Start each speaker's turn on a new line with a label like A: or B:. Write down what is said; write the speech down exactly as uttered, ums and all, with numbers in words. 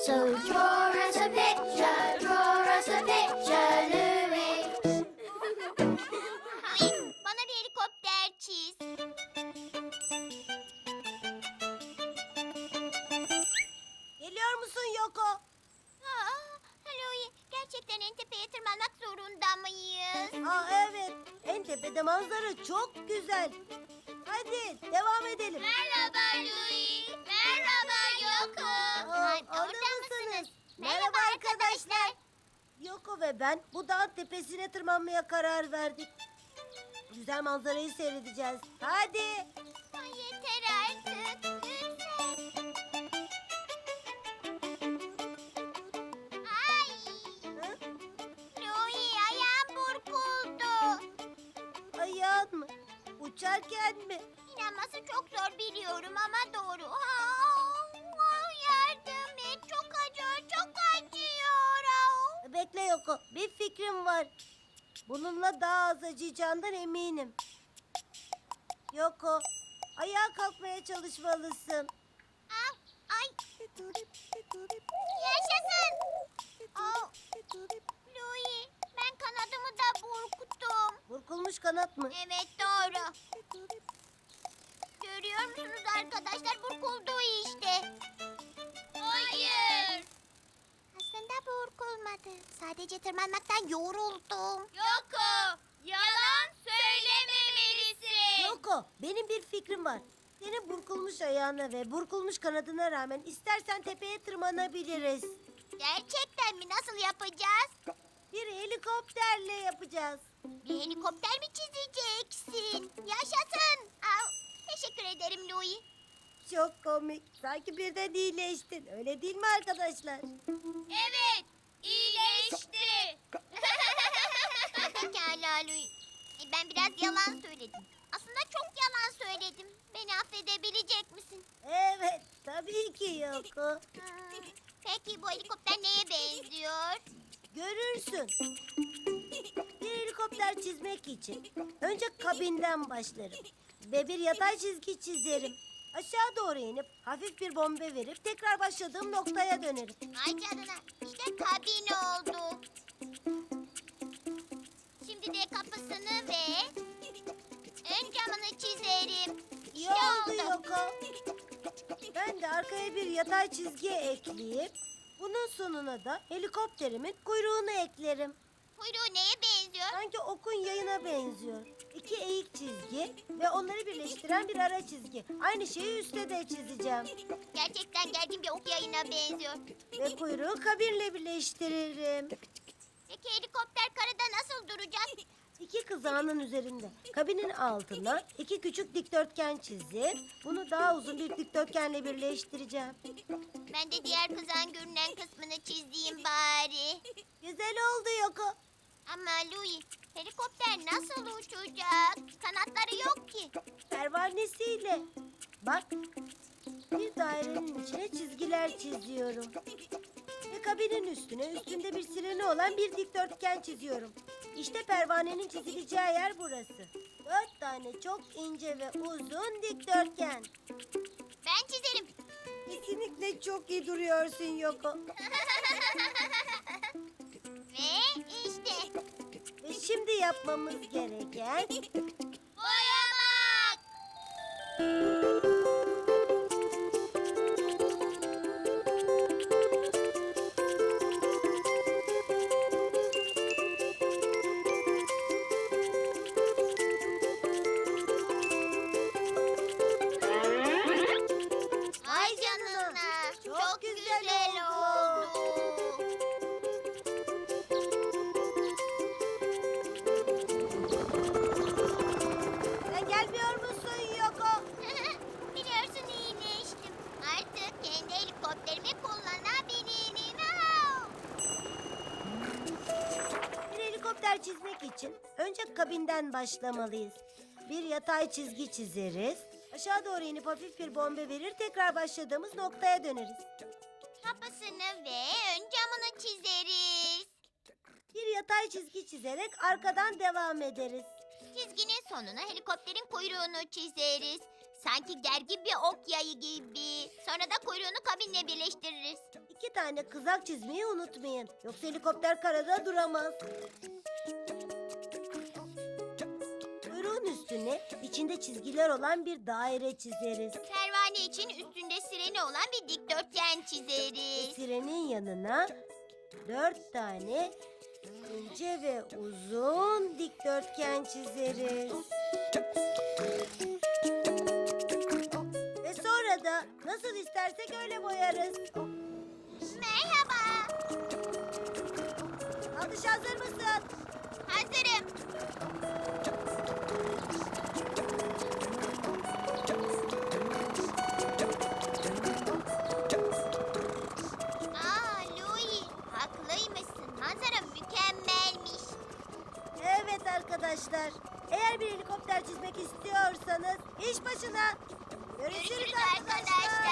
A: So draw us a picture, draw us a picture, Louie.
B: Louie, bana bir helikopter çiz.
C: Geliyor musun Yoko?
B: Aa, Louie, gerçekten en tepeye tırmanmak zorunda mıyız?
C: Aa evet. En tepede manzara çok güzel. Hadi devam edelim.
B: Merhaba Louie. Merhaba Yoko.
C: Aa,
B: Ay,
C: orada
B: orada
C: mısınız?
B: mısınız?
C: Merhaba arkadaşlar. Yoko ve ben bu dağın tepesine tırmanmaya karar verdik. Güzel manzarayı seyredeceğiz. Hadi.
B: Ay, yeter artık. Lütfen. Ay.
C: Hı?
B: Louie, ayağım burkuldu.
C: Ayağın mı? Uçarken mi?
B: İnanması çok zor biliyorum ama doğru. Aa, yardım et. Çok acıyor, çok acıyor. Aa.
C: Bekle Yoko. Bir fikrim var. Bununla daha az acıyacağından eminim. Yoko, ayağa kalkmaya çalışmalısın.
B: Aa, ay. Yaşasın. Aa, Louie, ben kanadımı da burkuttum.
C: Burkulmuş kanat mı?
B: Evet, doğru. Görüyor musunuz arkadaşlar? Burkuldu işte. Hayır. Aslında burkulmadı. Sadece tırmanmaktan yoruldum. Yoko, yalan söylememelisin.
C: Yoko, benim bir fikrim var. Senin burkulmuş ayağına ve burkulmuş kanadına rağmen istersen tepeye tırmanabiliriz.
B: Gerçekten mi? Nasıl yapacağız?
C: Bir helikopterle yapacağız.
B: Bir helikopter mi çizeceksin? Yaşasın. Aa, teşekkür ederim Louie.
C: Çok komik. Sanki birden iyileştin. Öyle değil mi arkadaşlar?
B: Evet, iyileşti. Pekala Louie. E, ben biraz yalan söyledim. Aslında çok yalan söyledim. Beni affedebilecek misin?
C: Evet, tabii ki Yoko.
B: Hmm, peki bu helikopter neye benziyor?
C: Görürsün. Bir helikopter çizmek için önce kabinden başlarım. Ve bir yatay çizgi çizerim. Aşağı doğru inip hafif bir bombe verip tekrar başladığım noktaya dönerim.
B: Ay canına, işte kabin oldu. Şimdi de kapısını ve ön camını çizerim.
C: İyi
B: İşte
C: oldu
B: oldu.
C: Yoko. Ben de arkaya bir yatay çizgi ekleyip bunun sonuna da helikopterimin kuyruğunu eklerim.
B: Kuyruğu neye benziyor?
C: Sanki okun yayına benziyor. İki eğik çizgi ve onları birleştiren bir ara çizgi. Aynı şeyi üstte de çizeceğim.
B: Gerçekten gergin bir ok yayına benziyor.
C: Ve kuyruğu kabinle birleştiririm.
B: Peki helikopter karada nasıl duracak?
C: İki kızağının üzerinde. Kabinin altına iki küçük dikdörtgen çizip bunu daha uzun bir dikdörtgenle birleştireceğim.
B: Ben de diğer kızan görünen kısmını çizeyim bari.
C: Güzel oldu Yoko.
B: Ama Louie, helikopter nasıl uçacak? Kanatları yok ki.
C: Pervanesiyle. Bak, bir dairenin içine çizgiler çiziyorum. Ve kabinin üstüne üstünde bir sireni olan bir dikdörtgen çiziyorum. İşte pervanenin çizileceği yer burası. Dört tane çok ince ve uzun dikdörtgen.
B: Ben çizerim.
C: Kesinlikle çok iyi duruyorsun Yoko.
B: Ve işte
C: Ve şimdi yapmamız gereken...
B: boyamak. Ay canına.
C: Çok
B: Çok
C: güzel
B: güzel
C: oldu.
B: oldu.
C: Sen gelmiyor musun Yoko?
B: Biliyorsun iyileştim. Artık kendi helikopterimi kullanabilirim. Au!
C: Bir helikopter çizmek için önce kabinden başlamalıyız. Bir yatay çizgi çizeriz. Aşağı doğru inip hafif bir bombe verir tekrar başladığımız noktaya döneriz.
B: Kapısını ve ön camını çizeriz.
C: Bir yatay çizgi çizerek arkadan devam ederiz.
B: Çizginin sonuna helikopterin kuyruğunu çizeriz. Sanki gergin bir ok yayı gibi. Sonra da kuyruğunu kabinle birleştiririz.
C: İki tane kızak çizmeyi unutmayın. Yoksa helikopter karada duramaz. Kuyruğun üstüne içinde çizgiler olan bir daire çizeriz.
B: Pervane için üstünde sireni olan bir dikdörtgen çizeriz.
C: Sirenin yanına dört tane ince ve uzun dikdörtgen çizeriz. Ve sonra da nasıl istersek öyle boyarız.
B: Merhaba.
C: Alış hazır mısın?
B: Hazırım. Aa Louie, haklıymışsın. Manzara mükemmelmiş.
C: Evet arkadaşlar. Eğer bir helikopter çizmek istiyorsanız iş başına. Görüşürüz,
B: Görüşürüz
C: arkadaşlar.
B: arkadaşlar.